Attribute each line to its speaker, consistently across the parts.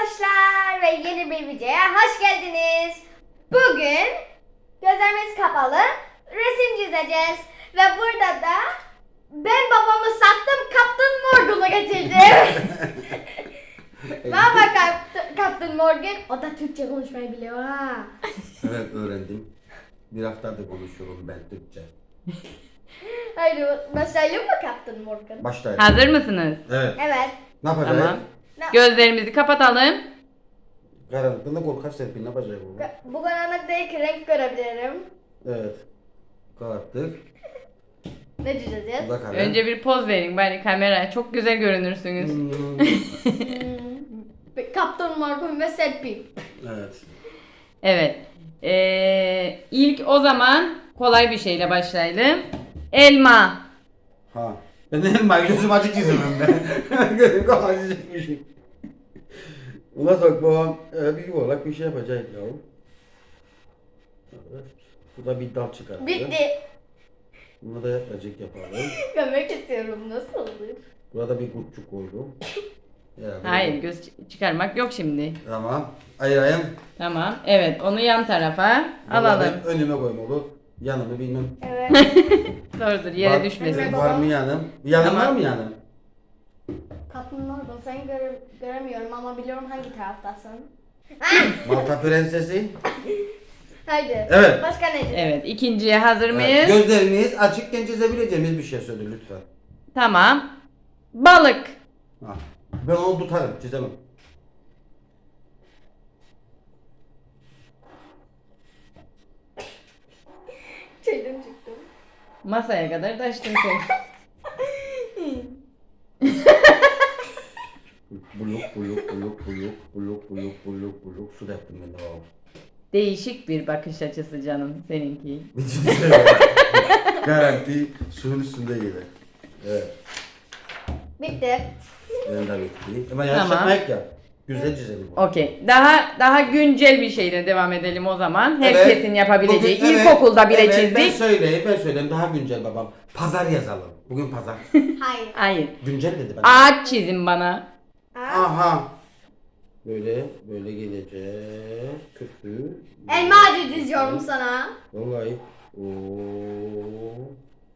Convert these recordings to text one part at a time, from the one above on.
Speaker 1: arkadaşlar ve yeni bir videoya hoş geldiniz. Bugün gözlerimiz kapalı resim çizeceğiz ve burada da ben babamı sattım, Captain Morgan'ı getirdim. Merhaba Captain Morgan, o da Türkçe konuşmayı biliyor ha.
Speaker 2: Evet, öğrendim. Bir haftadır konuşuyorum ben Türkçe.
Speaker 1: Haydi başlayalım mı Captain Morgan?
Speaker 2: Başlayalım.
Speaker 3: Hazır mısınız?
Speaker 2: Evet.
Speaker 1: Evet.
Speaker 2: Ne yapacağız?
Speaker 3: Tamam. Gözlerimizi kapatalım.
Speaker 2: Karanlıkta korkar Serpil, ne yapacağız bunu?
Speaker 1: Bu karanlıktaki renk görebilirim.
Speaker 2: Evet. Kapattık.
Speaker 1: Ne çizeceğiz?
Speaker 2: Bu da kalem.
Speaker 3: Önce bir poz verin bari kameraya. Çok güzel görünürsünüz.
Speaker 1: Captain Morgan ve Serpil.
Speaker 2: Evet.
Speaker 3: Evet. İlk o zaman kolay bir şeyle başlayalım. Elma.
Speaker 2: Ha. Ben de elmayı gözüm açık çizemem ben. Gözüm kapalı çizmişim. Buna bak babam bir yuvarlak bir şey yapacak ya. Evet. Bu da bir dal çıkarttı.
Speaker 1: Bitti.
Speaker 2: Bunu da yapacak yapalım.
Speaker 1: Görmek istiyorum, nasıl olur?
Speaker 2: Burada bir kurtçuk koydum. Yani
Speaker 3: Hayır, göz çıkarmak yok şimdi.
Speaker 2: Tamam. Ayırayım.
Speaker 3: Tamam. Evet, onu yan tarafa alalım.
Speaker 2: Ben önüme koymalı. Yanımı bilmem.
Speaker 1: Evet.
Speaker 3: Doğrudur, yere
Speaker 2: Var-
Speaker 3: düşmesin.
Speaker 2: Var mı yanım? Yanım
Speaker 3: Tamam.
Speaker 2: var mı yanım?
Speaker 1: Captain Morgan, seni göremiyorum ama biliyorum hangi taraftasın.
Speaker 2: Malta prensesi.
Speaker 1: Haydi.
Speaker 2: Evet.
Speaker 1: Başka ne?
Speaker 3: Evet, ikinciye hazır mıyız?
Speaker 2: Gözlerimiz açıkken çizebileceğimiz bir şey söyle lütfen.
Speaker 3: Tamam. Balık.
Speaker 2: Ha. Ben onu tutarım, çizemem.
Speaker 1: Şeyden çıktım.
Speaker 3: Masaya kadar taştın sen.
Speaker 2: Buluk, buluk, buluk, buluk, buluk, buluk, buluk, buluk. Su da yaptım ben de babam.
Speaker 3: Değişik bir bakış açısı canım seninki.
Speaker 2: Garanti suyun üstünde gelir. Evet.
Speaker 1: Bitti.
Speaker 2: Benim de bitti. Ama yanlış
Speaker 3: Tamam.
Speaker 2: yapmayık ya. Güzel çizelim.
Speaker 3: Okey. Daha güncel bir şeyle devam edelim o zaman.
Speaker 2: Evet.
Speaker 3: Herkesin yapabileceği.
Speaker 2: Bugün- evet,
Speaker 3: İlkokulda bile
Speaker 2: evet,
Speaker 3: çizdik.
Speaker 2: Ben söyleyeyim daha güncel babam. Pazar yazalım. Bugün pazar.
Speaker 1: Hayır.
Speaker 3: Hayır.
Speaker 2: Güncel dedi ben.
Speaker 3: Ağaç çizin bana.
Speaker 2: Aha. Böyle gelecek. Kötü.
Speaker 1: Elma ağacı diziyorum sana.
Speaker 2: Vallahi. Oo.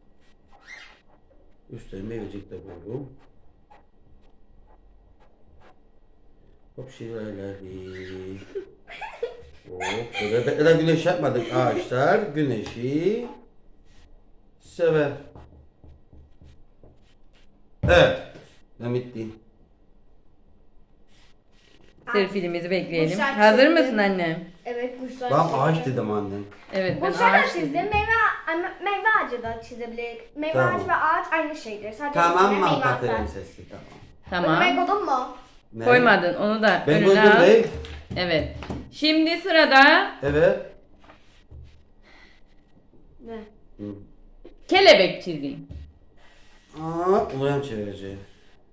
Speaker 2: Üstüne meyvecik de koydum. Hop şiirleri. Hop. Böyle beklenen güneş yapmadık ağaçlar. Güneşi sever. Evet. Ben bitti.
Speaker 3: Serpilimizi bekleyelim.
Speaker 1: Kuşlar
Speaker 3: Hazır
Speaker 1: çizdim.
Speaker 3: mısın anne?
Speaker 1: Evet, kuşlar
Speaker 2: Ben
Speaker 1: çizdim.
Speaker 2: ağaç dedim annem.
Speaker 3: Evet ben
Speaker 1: Kuşlar da
Speaker 3: ağaç
Speaker 1: çizdim.
Speaker 3: çizdim.
Speaker 1: Meyve ağacı da çizebiliriz. Meyve
Speaker 2: Tamam.
Speaker 1: ağacı ve ağaç aynı şeydir. Sadece
Speaker 2: Tamam
Speaker 1: üstüne meyve
Speaker 2: Malta
Speaker 1: atar.
Speaker 2: prensesi tamam.
Speaker 3: Tamam.
Speaker 1: Ben koydun mu?
Speaker 2: Ne?
Speaker 3: Koymadın onu da
Speaker 2: Ben
Speaker 3: önüne
Speaker 2: koydum
Speaker 3: al.
Speaker 2: değil.
Speaker 3: Evet. Şimdi sırada
Speaker 2: Evet.
Speaker 1: Ne?
Speaker 2: Hı.
Speaker 3: kelebek çizeyim.
Speaker 2: Ulan çevireceğim.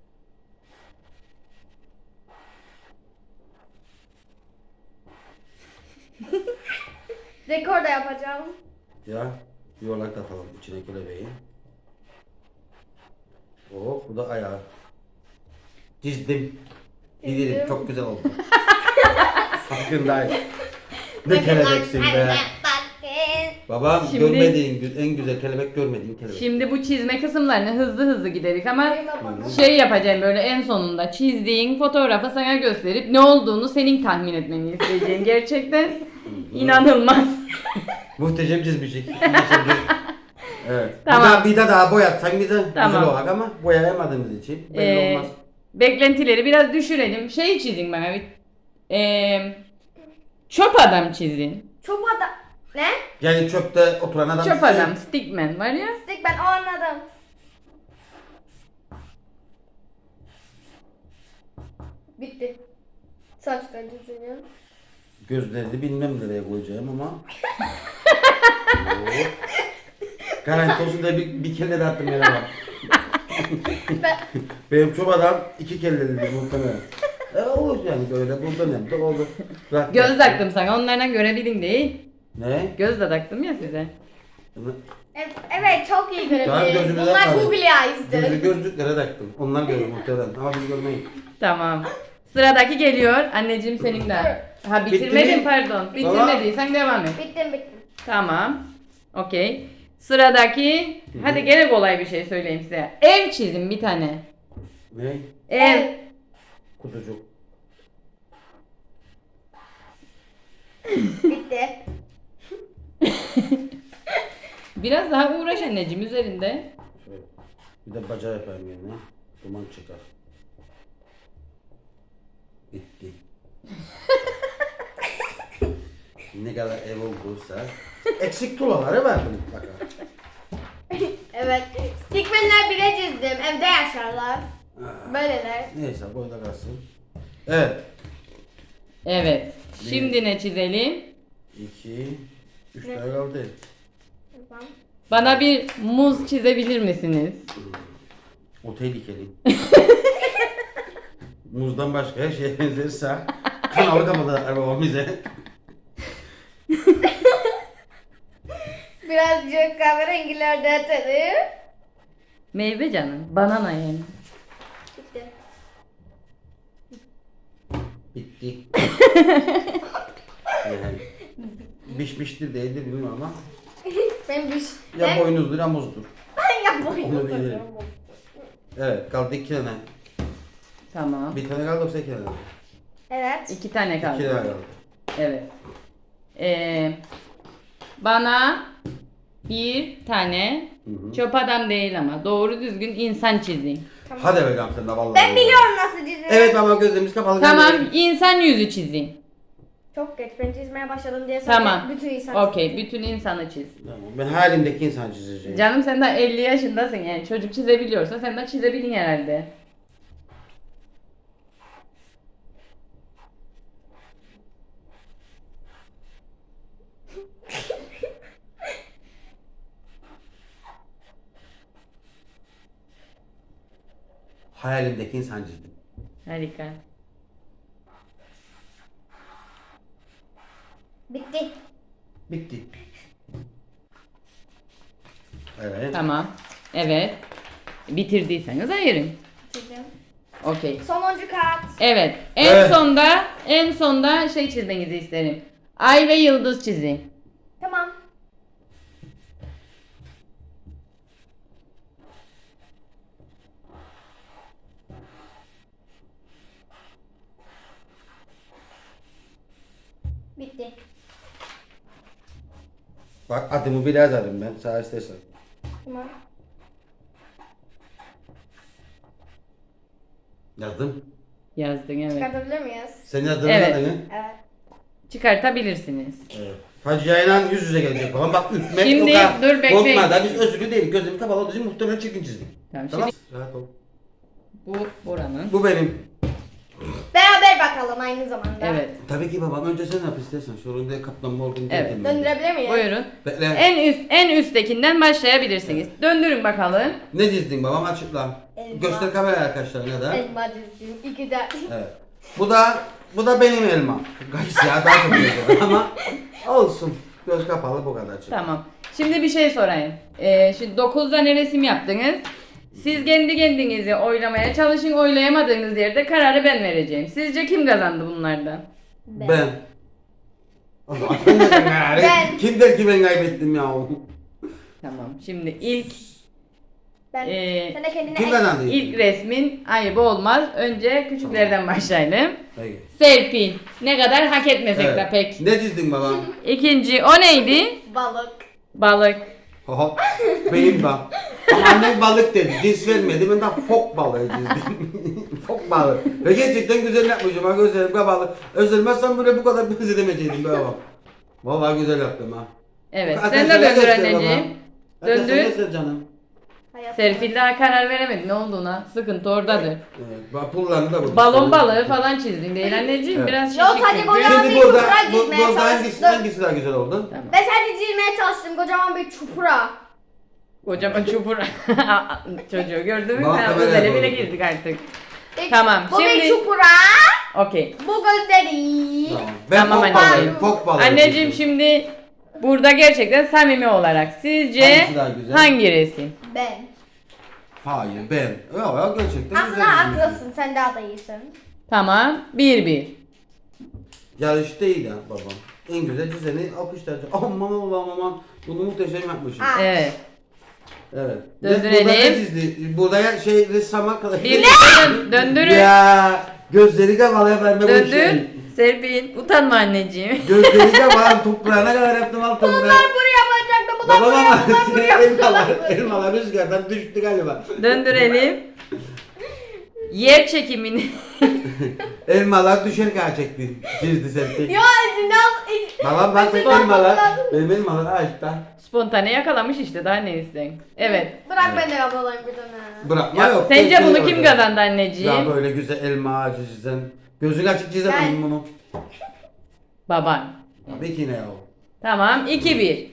Speaker 1: Dekor da yapacağım.
Speaker 2: Ya yuvarlak da atalım içine kelebeği. Oh bu da ayağı. Çizdim. Bilirim çok güzel oldu. Farkındayım. Ne kelebeksin be. Babam
Speaker 3: Şimdi-
Speaker 2: görmediğin en güzel kelebek görmediğin kelebek.
Speaker 3: Şimdi bu çizme kısımlarını hızlı giderik ama
Speaker 1: Benim yapalım.
Speaker 3: şey yapacağım böyle en sonunda çizdiğin fotoğrafı sana gösterip ne olduğunu senin tahmin etmeni isteyeceğim. Gerçekten inanılmaz.
Speaker 2: Muhteşem çizmişik. Evet.
Speaker 3: Tamam.
Speaker 2: Bir de daha boyatsan bize
Speaker 3: Tamam.
Speaker 2: güzel olur ama boyayamadığımız için belli olmaz.
Speaker 3: Beklentileri biraz düşürelim. Şey çizin bana bir çöp adam çizin.
Speaker 1: Çöp adam. Ne?
Speaker 2: Yani çöpte oturan adam.
Speaker 3: Çöp adam, stickman var ya.
Speaker 1: Stick, ben o anladım. Bitti. Saçlar çiziyorum.
Speaker 2: Gözlerini bilmem nereye koyacağım ama. Oo. Garanti olsun da bir kelle de attım yere bak. Benim çöp adam iki kelleli muhtemelen. Olur yani böyle buradan hem de olur. Rahat
Speaker 3: Göz
Speaker 2: rahat.
Speaker 3: taktım sana onlardan görebilin değil.
Speaker 2: Ne?
Speaker 3: Göz de taktım ya size.
Speaker 1: Evet, çok iyi
Speaker 2: Tamam,
Speaker 1: görebiliriz.
Speaker 2: gözümüze
Speaker 1: Bunlar
Speaker 2: takalım.
Speaker 1: Google Eyes'dir.
Speaker 2: Gözlü gözlüklere taktım. Onlar görür muhtemelen ama biz görmeyiz.
Speaker 3: Tamam. Sıradaki geliyor. Anneciğim senin de. Ha
Speaker 2: Bitti
Speaker 3: bitirmedin
Speaker 2: mi?
Speaker 3: pardon. Bitirmediysen devam et.
Speaker 1: Bittim.
Speaker 3: Tamam. Okey. Sıradaki. Hadi gene kolay bir şey söyleyeyim size. Ev çizin bir tane.
Speaker 2: Ne?
Speaker 3: Ev.
Speaker 2: Kutucuk.
Speaker 1: Bitti.
Speaker 3: Biraz daha uğraş anneciğim üzerinde.
Speaker 2: Şöyle. Bir de bacağı yapayım yerine. Duman çıkar. Bitti. Ne kadar ev olduysa. Eksik tuğlaları verdim mutlaka.
Speaker 1: Evet. Stickman'ler bile çizdim. Evde yaşarlar. Böyleler.
Speaker 2: Neyse boyda kalsın. Evet.
Speaker 3: Evet. Şimdi ne çizelim?
Speaker 2: 2 3 tane kaldı.
Speaker 1: Tamam.
Speaker 3: Bana bir muz çizebilir misiniz?
Speaker 2: O tehlikeli. Muzdan başka her şeye benzerse kanalı kapatılar babam bize.
Speaker 1: Birazcık kahverengilerde atalım.
Speaker 3: Meyve canım. Banana yani.
Speaker 1: Bitti.
Speaker 2: Bitti. Yani, pişmiştir değildir bilmiyorum ama
Speaker 1: Ben bir
Speaker 2: ya boynuzdur ya muzdur.
Speaker 1: Ben yapmayayım.
Speaker 2: Onu bilirim. Evet kaldı 2 tane.
Speaker 3: Tamam.
Speaker 2: Bir tane kaldı yoksa 2 tane.
Speaker 1: Evet.
Speaker 3: 2 tane
Speaker 2: 2 tane
Speaker 3: kaldı.
Speaker 2: kaldı.
Speaker 3: Evet. Bana bir tane
Speaker 2: Hı hı.
Speaker 3: çöp adam değil ama doğru düzgün insan çizin.
Speaker 2: Hadi bakalım sen de vallahi.
Speaker 1: Ben biliyorum nasıl çizilir.
Speaker 2: Evet ama gözlerimiz kapalı.
Speaker 3: Tamam, insan yüzü çizin.
Speaker 1: Çok geç. Ben çizmeye başladım diye
Speaker 3: Tamam.
Speaker 1: bütün insan
Speaker 3: Okey, bütün insanı çiz.
Speaker 2: Tamam. Ben halimdeki insan çizeceğim.
Speaker 3: Canım sen daha 50 yaşındasın yani çocuk çizebiliyorsa sen de çizebilin herhalde.
Speaker 2: Hayalimdeki insan çizdim.
Speaker 3: Harika.
Speaker 1: Bitti.
Speaker 2: Bitti. Evet.
Speaker 3: Tamam. Evet. Bitirdiyseniz ayırın.
Speaker 1: Çizdim.
Speaker 3: Okey.
Speaker 1: Sonuncu kağıt.
Speaker 3: Evet.
Speaker 2: Evet.
Speaker 3: En sonda şey çizmenizi isterim. Ay ve yıldız çizin.
Speaker 1: Tamam. Bitti.
Speaker 2: Bak adımı bile yazarım ben. Sağ istersen.
Speaker 1: Tamam.
Speaker 2: Yazdım.
Speaker 3: Yazdın evet.
Speaker 1: Çıkartabilir miyiz?
Speaker 2: Sen yazdın
Speaker 3: Evet.
Speaker 2: adını.
Speaker 1: Evet.
Speaker 3: Çıkartabilirsiniz.
Speaker 2: Evet. Faciayla yüz yüze gelecek babam. Bak ürkmek
Speaker 3: Şimdi
Speaker 2: o kadar
Speaker 3: dur, bekleyin.
Speaker 2: korkma da biz özürlü değiliz. Gözlerimi kapalı olduğu için muhtemelen çirkin çizdik.
Speaker 3: Tamam,
Speaker 2: Tamam.
Speaker 3: şimdi
Speaker 2: Rahat ol.
Speaker 3: bu buranın.
Speaker 2: Bu benim.
Speaker 1: Beraber bakalım aynı zamanda.
Speaker 3: Evet.
Speaker 2: Tabii ki babam önce sen yap istersen. Sorun kaplanma olduğunu
Speaker 3: Evet.
Speaker 2: dedim.
Speaker 1: Döndürebilir miyiz?
Speaker 3: Buyurun.
Speaker 2: Bekle.
Speaker 3: En üsttekinden başlayabilirsiniz. Döndürün bakalım.
Speaker 2: Ne çizdin babam açıkla.
Speaker 1: Elma.
Speaker 2: Göster kameraya arkadaşlarına da.
Speaker 1: Elma çizdim. İki de.
Speaker 2: Evet. Bu da benim elma. Gays ya daha çok güzel ama olsun. Göz kapalı bu kadar.
Speaker 3: Tamam. Şimdi bir şey sorayım. Şimdi 9 tane resim yaptınız. Siz kendi kendinizi oylamaya çalışın. Oylayamadığınız yerde kararı ben vereceğim. Sizce kim kazandı bunlardan?
Speaker 2: Ben. O zaman sen de yani.
Speaker 1: Ben.
Speaker 2: Kim der ki ben kaybettim ya?
Speaker 3: Tamam. Şimdi ilk
Speaker 1: Ben. Sen de kendine
Speaker 2: Kim kazandı?
Speaker 3: ilk resmin ayıbı olmaz. Önce küçüklerden başlayalım.
Speaker 2: Peki.
Speaker 3: Serpil. Ne kadar hak etmesek de
Speaker 2: Evet.
Speaker 3: pek.
Speaker 2: Ne çizdin babam?
Speaker 3: İkinci o neydi?
Speaker 1: balık.
Speaker 3: Balık.
Speaker 2: Oho, benim bak. Ama annem balık dedi, cins vermedi. Ben de fok balığı çizdim. Fok balığı. Ve gerçekten güzel yapmışım ha, gözlerim kapalı. Özlemezsem böyle bu kadar benzedemeyecektim be babam. Vallahi güzel yaptım ha.
Speaker 3: Evet.
Speaker 2: Bak,
Speaker 3: Sen de
Speaker 2: arkadaşlar,
Speaker 3: döndür
Speaker 2: göster
Speaker 3: anneciğim.
Speaker 2: babam. Arkadaşlar,
Speaker 3: Döndür.
Speaker 2: göster canım.
Speaker 1: Hayat.
Speaker 3: Serpil daha karar veremedi ne olduğuna. Sıkıntı oradadır.
Speaker 2: Evet, bak pullarını da burada.
Speaker 3: Balon balığı falan çizdin değil anneciğim.
Speaker 2: Evet.
Speaker 3: Biraz
Speaker 1: Yok,
Speaker 3: şişik
Speaker 1: hadi
Speaker 3: çünkü.
Speaker 1: boya-
Speaker 2: Şimdi
Speaker 1: bir
Speaker 2: burada,
Speaker 1: çupra çizmeye
Speaker 2: burada hangisi,
Speaker 1: çalıştım.
Speaker 2: hangisi daha güzel oldu?
Speaker 3: Tamam.
Speaker 1: Ben sadece çizmeye çalıştım kocaman bir çupra.
Speaker 3: Kocaman çupur. Çocuğu gördün mü?
Speaker 2: Bak,
Speaker 3: Sen
Speaker 2: kameraya
Speaker 3: özele
Speaker 2: doğru.
Speaker 3: bile girdik artık. Tamam,
Speaker 1: Bu
Speaker 3: şimdi-
Speaker 1: bir çupra.
Speaker 3: Okey.
Speaker 1: Bu gözleri.
Speaker 2: Tamam. Ben
Speaker 3: Tamam,
Speaker 2: fok
Speaker 3: anneciğim.
Speaker 2: balığı, fok balığı
Speaker 3: Anneciğim
Speaker 2: çizdim.
Speaker 3: şimdi burada gerçekten samimi olarak sizce
Speaker 2: Hangisi daha güzel?
Speaker 3: hangi resim?
Speaker 1: Ben.
Speaker 2: Hayır ben. Ya gerçekten
Speaker 1: Aslında
Speaker 2: güzel çizmişim.
Speaker 1: haklısın. Sen daha da iyisin.
Speaker 3: Tamam. 1-1.
Speaker 2: Yarış değil ya babam. En güzel çizeni alkışlayacak. Aman Allah'ım aman. Bunu muhteşem yapmışım.
Speaker 1: Aa.
Speaker 3: Evet.
Speaker 2: Evet.
Speaker 3: Döndürelim.
Speaker 2: Burada ne çizdi? Burada ya şey ressam arkadaş.
Speaker 3: Döndürün.
Speaker 2: Ya gözleri de valaya verme bu
Speaker 3: Döndür.
Speaker 2: işi.
Speaker 3: Serpil. Utanma anneciğim.
Speaker 2: Gözleri de valan toprağına kadar yaptım altında.
Speaker 1: Bunlar buraya bakacaktı. Bunlar
Speaker 2: Babam
Speaker 1: buraya,
Speaker 2: ama
Speaker 1: bunlar buraya.
Speaker 2: elmalar rüzgardan düştü galiba.
Speaker 3: Döndürelim. Yer çekimini.
Speaker 2: Elmalar düşerken çekti. Çizdi Serpil.
Speaker 1: Ya Sinan.
Speaker 2: Babam bak benim
Speaker 1: Mesela
Speaker 2: elmalar.
Speaker 1: lazım.
Speaker 2: Benim elmalar ağaçta.
Speaker 3: Spontane yakalamış işte, daha ne isteyin. Evet.
Speaker 1: Bırak ben de yapalım bir tane.
Speaker 2: Bırakma
Speaker 3: Ya,
Speaker 2: yok.
Speaker 3: sence
Speaker 2: bekliyor
Speaker 3: bunu kim
Speaker 2: orada.
Speaker 3: kazandı anneciğim?
Speaker 2: Ya böyle güzel elma ağacı çizen. Gözün açık çizemem
Speaker 1: Ben.
Speaker 2: bunu.
Speaker 3: Baban.
Speaker 2: Tabii ki ne ya o.
Speaker 3: Tamam, 2-1.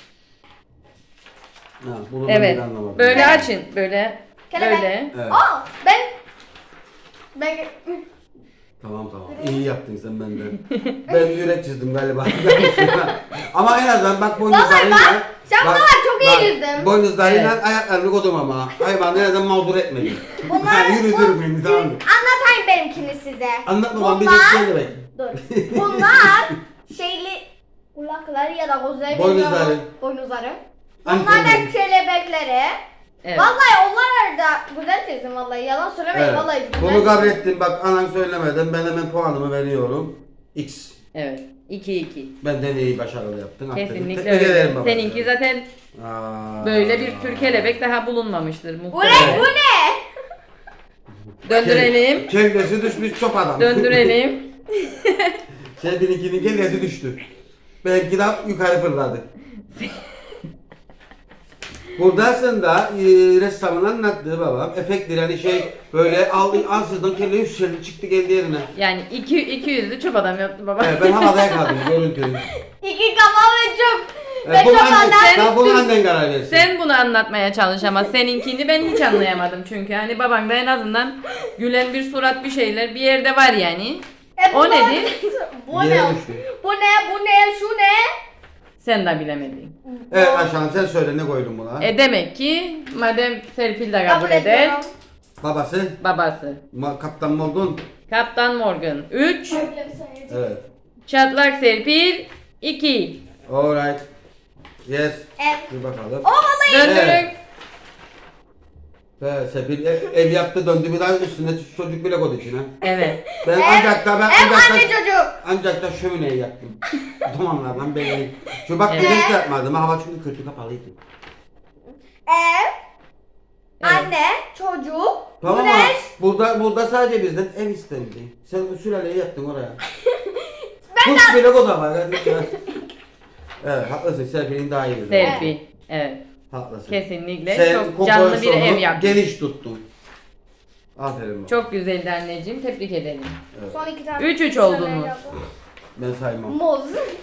Speaker 2: Ha, bunu
Speaker 3: Evet.
Speaker 2: ben anlamadım.
Speaker 3: Böyle açın. Böyle.
Speaker 1: Kelebek.
Speaker 3: Böyle.
Speaker 2: Evet.
Speaker 1: Aa ben
Speaker 2: Tamam. İyi yaptın sen benden. Ben yürek çizdim galiba. Ama en azından bak boynuzlarıyla.
Speaker 1: Vallahi sen buna bak, çok iyi çizdin.
Speaker 2: Boynuzlarıyla
Speaker 3: Evet.
Speaker 2: ayaklarını kodum ama. Hayvan en azından mağdur etmedi.
Speaker 1: Bunlar
Speaker 2: Yürüdürüm beni tamam mı?
Speaker 1: anlatayım benimkini size.
Speaker 2: Anlat babam bir de
Speaker 1: Bunlar-
Speaker 2: şey demek.
Speaker 1: Dur. Bunlar şeyli kulakları ya da gözleri
Speaker 2: Boynuzları.
Speaker 1: bilmiyorum. Boynuzları. Bunlar
Speaker 2: Antenleri.
Speaker 1: da kelebekleri.
Speaker 3: Evet.
Speaker 1: Vallahi onlar da güzel çizdim vallahi. Yalan söylemeyin
Speaker 2: Evet.
Speaker 1: vallahi güzel.
Speaker 2: Bunu kabul ettim. Bak anan söylemeden ben hemen puanımı veriyorum. X.
Speaker 3: Evet. 2-2.
Speaker 2: Benden iyi başarılı yaptın. Aferin.
Speaker 3: Kesinlikle
Speaker 2: Tebrik ederim
Speaker 3: öyle.
Speaker 2: baba.
Speaker 3: Seninki zaten
Speaker 2: Aa.
Speaker 3: böyle bir tür kelebek daha bulunmamıştır
Speaker 1: Bu ne?
Speaker 3: muhtemelen.
Speaker 1: Bu ne?
Speaker 3: Döndürelim.
Speaker 2: Kellesi düşmüş çöp adam.
Speaker 3: Döndürelim.
Speaker 2: Kendininkinin kellesi düştü. Belki de yukarı fırladı. Burada aslında ressamın anlattığı babam efekttir yani şey böyle ansızdan kelle yükseldi çıktı geldi yerine.
Speaker 3: Yani 200'lü çöp adam yaptı baba.
Speaker 2: Evet, ben havada yakaladım görüntüyü.
Speaker 1: İki kafa ve çok.
Speaker 2: Evet,
Speaker 1: Ve
Speaker 2: bunu
Speaker 1: çok
Speaker 2: annen,
Speaker 1: anlar.
Speaker 2: daha bunu annen karar versin.
Speaker 3: Sen bunu anlatmaya çalış ama seninkini ben hiç anlayamadım çünkü hani baban da en azından gülen bir surat bir şeyler bir yerde var yani. O
Speaker 1: bu
Speaker 3: nedir?
Speaker 1: Bu
Speaker 2: Yere
Speaker 1: ne?
Speaker 2: düştü.
Speaker 1: Bu ne? Bu ne? Şu ne?
Speaker 3: Sen de bilemedin.
Speaker 2: Evet Ayşe sen söyle ne koydun buna?
Speaker 3: Demek ki madem Serpil de kabul
Speaker 1: Kabul
Speaker 3: eder,
Speaker 1: ediyorum.
Speaker 2: Babası
Speaker 3: babası.
Speaker 2: Kaptan Morgan.
Speaker 3: Kaptan Morgan 3,
Speaker 2: Evet.
Speaker 3: Çatlak Serpil 2.
Speaker 2: Alright. Yes.
Speaker 1: Evet.
Speaker 2: Bir bakalım.
Speaker 1: O vallahi.
Speaker 3: Döndürün.
Speaker 2: Evet. Evet, Sepil ev yaptı döndü bir daha üstüne çocuk bile koydu içine.
Speaker 3: Evet.
Speaker 2: Ben ancak da
Speaker 1: Ev anne çocuk.
Speaker 2: ancak da şömineyi yaktım. Dumanlardan belli. Şu bak
Speaker 3: Evet.
Speaker 2: güneş de yapmadım. Hava çünkü kötü kapalıydı.
Speaker 1: Ev.
Speaker 3: Evet.
Speaker 1: Anne. Çocuk.
Speaker 2: Tamam ama
Speaker 1: Güneş.
Speaker 2: burada sadece bizden ev istendi. Sen bu sülaleyi yaptın oraya.
Speaker 1: Ben
Speaker 2: Kuş bile koda var. Hadi ya. Evet haklısın Serpil'in daha iyi.
Speaker 3: Serpil. Evet.
Speaker 2: Haklısın.
Speaker 3: Kesinlikle
Speaker 2: Sen
Speaker 3: çok canlı bir
Speaker 2: kompozisyonu
Speaker 3: ev yaptın.
Speaker 2: geniş tuttun. Aferin bak.
Speaker 3: Çok güzeldi anneciğim. Tebrik ederim.
Speaker 1: Son iki tane.
Speaker 3: 3-3 oldunuz.
Speaker 2: Ben saymam.
Speaker 1: Muz.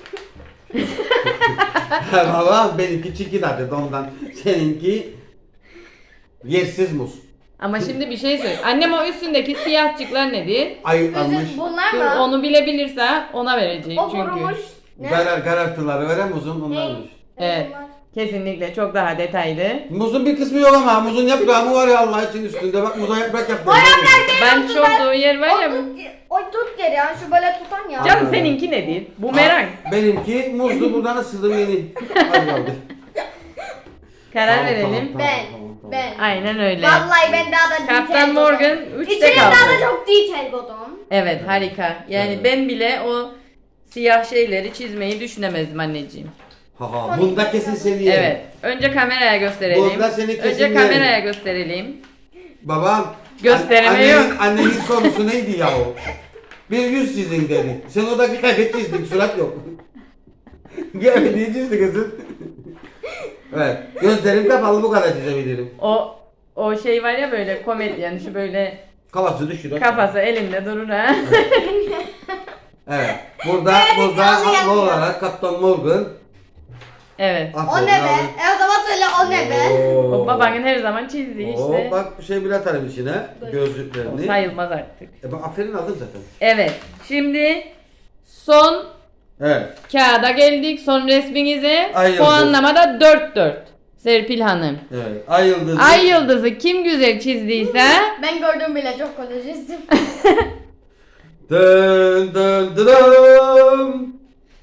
Speaker 2: Valla benimki çirkin adı ondan. Seninki yersiz muz.
Speaker 3: Ama şimdi bir şey söyle. Annem o üstündeki siyahçıklar nedir?
Speaker 2: Ayıklanmış.
Speaker 1: Bunlar
Speaker 3: Dur,
Speaker 1: mı?
Speaker 3: onu bilebilirse ona vereceğim
Speaker 1: O
Speaker 3: çünkü.
Speaker 1: kurumuş. Ne?
Speaker 2: Karartıları veren muzun onlarmış.
Speaker 3: Evet.
Speaker 1: bunlar?
Speaker 3: Kesinlikle çok daha detaylı.
Speaker 2: Muzun bir kısmı yok ama muzun yaprağı mı var ya Allah için üstünde bak muza yaprak yaptı.
Speaker 1: O yaprak değil.
Speaker 3: Ben
Speaker 1: o
Speaker 3: çok
Speaker 1: tutar.
Speaker 3: doğru yer var ya.
Speaker 1: O tut geri ya. Şu böyle tutan ya.
Speaker 3: Canım seninki nedir? Bumerang.
Speaker 2: Benimki muzlu buradan ısırdım yeni. Hadi kaldı.
Speaker 3: Karar
Speaker 2: Tamam,
Speaker 3: verelim.
Speaker 2: tamam,
Speaker 1: Ben.
Speaker 2: tamam.
Speaker 1: Ben.
Speaker 3: Aynen öyle.
Speaker 1: Vallahi ben daha da detail
Speaker 3: Kaptan
Speaker 1: buldum.
Speaker 3: Morgan 3'te
Speaker 1: İçine
Speaker 3: kaldı.
Speaker 1: daha da çok detail buldum.
Speaker 3: Evet harika. Yani
Speaker 2: Evet.
Speaker 3: ben bile o siyah şeyleri çizmeyi düşünemezdim anneciğim.
Speaker 2: Haha bunda kesin seni yerim.
Speaker 3: Evet. Önce kameraya gösterelim.
Speaker 2: Bunda seni kesin
Speaker 3: Önce
Speaker 2: yerim.
Speaker 3: kameraya gösterelim.
Speaker 2: Babam.
Speaker 3: Gösteremiyor.
Speaker 2: Annenin sorusu neydi ya o? Bir yüz çizin dedi. Sen o da kıyafet çizdin surat yok. Kıyafeti çizdi kızım. Evet. Gözlerim kapalı bu kadar çizebilirim.
Speaker 3: O şey var ya böyle komedyen şu böyle
Speaker 2: Kafası düşüyor.
Speaker 3: kafası elinde durur ha.
Speaker 2: Evet. Burada
Speaker 1: yağlı
Speaker 2: haklı
Speaker 1: yapıyor.
Speaker 2: olarak Kaptan Morgan.
Speaker 3: Evet.
Speaker 1: O
Speaker 2: Aferin
Speaker 1: ne be?
Speaker 2: abi.
Speaker 1: O zaman söyle o ne be?
Speaker 3: O babanın her zaman çizdiği işte.
Speaker 2: Bak bir şey bile atarım içine.
Speaker 3: O
Speaker 2: Gözlüklerini.
Speaker 3: sayılmaz artık.
Speaker 2: Bak aferin aldın zaten.
Speaker 3: Evet. Şimdi son
Speaker 2: Evet.
Speaker 3: kağıda geldik. Son resminize.
Speaker 2: Ay yıldız.
Speaker 3: Puanlamada 4-4. Serpil Hanım.
Speaker 2: Evet. Ay yıldızı.
Speaker 3: Ay yıldızı kim güzel çizdiyse
Speaker 1: Ben gördüm bile çok kötü çizdim.
Speaker 2: Dın dın dın dın.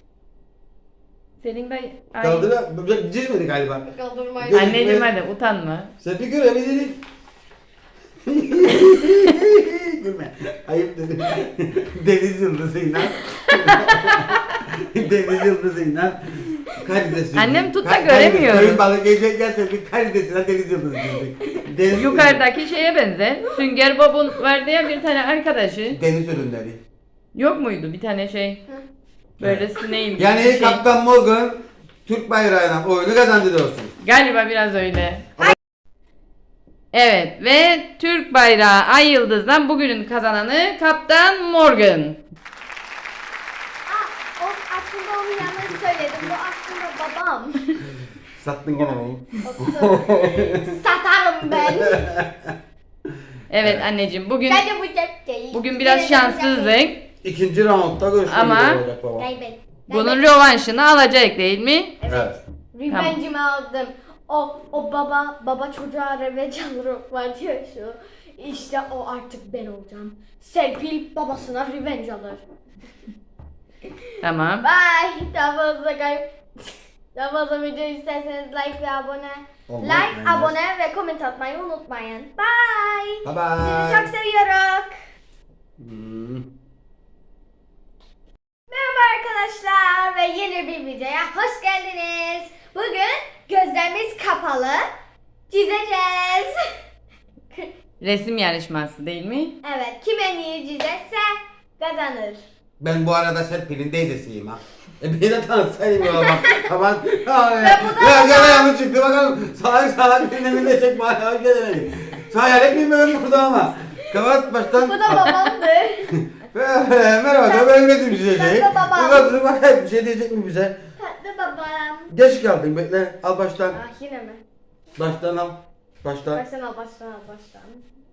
Speaker 3: Senin de ay.
Speaker 2: Kaldıra, cizmedi galiba.
Speaker 1: Kaldırmayın.
Speaker 3: Anneciğim hadi utanma.
Speaker 2: Sen bir görebilirdin. Gülme. Ayıp dedim. Deniz yıldızıyla. Deniz yıldızıyla. Karides.
Speaker 3: Annem tut da göremiyorum.
Speaker 2: Köyün balık yiyecek gelse bir karidesiyle deniz yıldızı diyecek. Deniz
Speaker 3: Yukarıdaki şeye benzer. Sünger Bob'un vardı ya bir tane arkadaşı.
Speaker 2: Deniz ürünleri.
Speaker 3: Yok muydu bir tane şey? Böyle sineğin gibi
Speaker 2: Yani
Speaker 3: bir şey.
Speaker 2: Kaptan Morgan Türk bayrağına oyunu kazandı diyorsun.
Speaker 3: Galiba biraz öyle. Evet ve Türk bayrağı Ay Yıldız'dan bugünün kazananı Kaptan Morgan.
Speaker 1: Aslında onu yanlış söyledim. Bu aslında babam.
Speaker 2: Sattın gene beni.
Speaker 1: Satarım ben.
Speaker 3: Evet anneciğim bugün
Speaker 1: Bence bu cepkeyi.
Speaker 3: bugün biraz şanssızdık
Speaker 2: İkinci roundda görüşmek
Speaker 3: Ama-
Speaker 2: üzere olacak baba.
Speaker 1: Kaybet.
Speaker 3: bunun rövanşını alacak değil mi?
Speaker 2: Evet.
Speaker 1: Revenge'imi aldım. O baba çocuğa revenge alır var diyor şu. İşte o artık ben olacağım. Serpil babasına revenge alır.
Speaker 3: Tamam.
Speaker 1: Bye. Daha fazla video isterseniz like ve abone.
Speaker 2: Olmayı
Speaker 1: Like,
Speaker 2: unutmayın.
Speaker 1: abone ve comment atmayı unutmayın. Bye.
Speaker 2: Bye bye.
Speaker 1: Sizi çok seviyoruz.
Speaker 2: Hmm.
Speaker 1: Merhaba arkadaşlar ve yeni bir videoya hoş geldiniz. Bugün gözlerimiz kapalı çizeceğiz.
Speaker 3: Resim yarışması değil mi?
Speaker 1: Evet, kim en iyi çizerse kazanır.
Speaker 2: Ben bu arada Serpil'in teyzesiyim ha. Beni de tanıtsaydım ya bak. Tamam.
Speaker 1: bu da-
Speaker 2: Ya gene yanlış çıktı bakalım. Salak dinlemin de çek bari. Hoş geldin. Hayal etmiyorum burada ama. Kapat baştan.
Speaker 1: Bu da babamdır.
Speaker 2: Merhaba ben resim çizeceğim.
Speaker 1: Ben de babam.
Speaker 2: Bir bakın bakayım bir şey diyecek mi bize?
Speaker 1: Tatlı babam.
Speaker 2: Geç kaldın bekle. Al baştan.
Speaker 1: Ah yine mi?
Speaker 2: Baştan al. Baştan.
Speaker 1: Baştan al.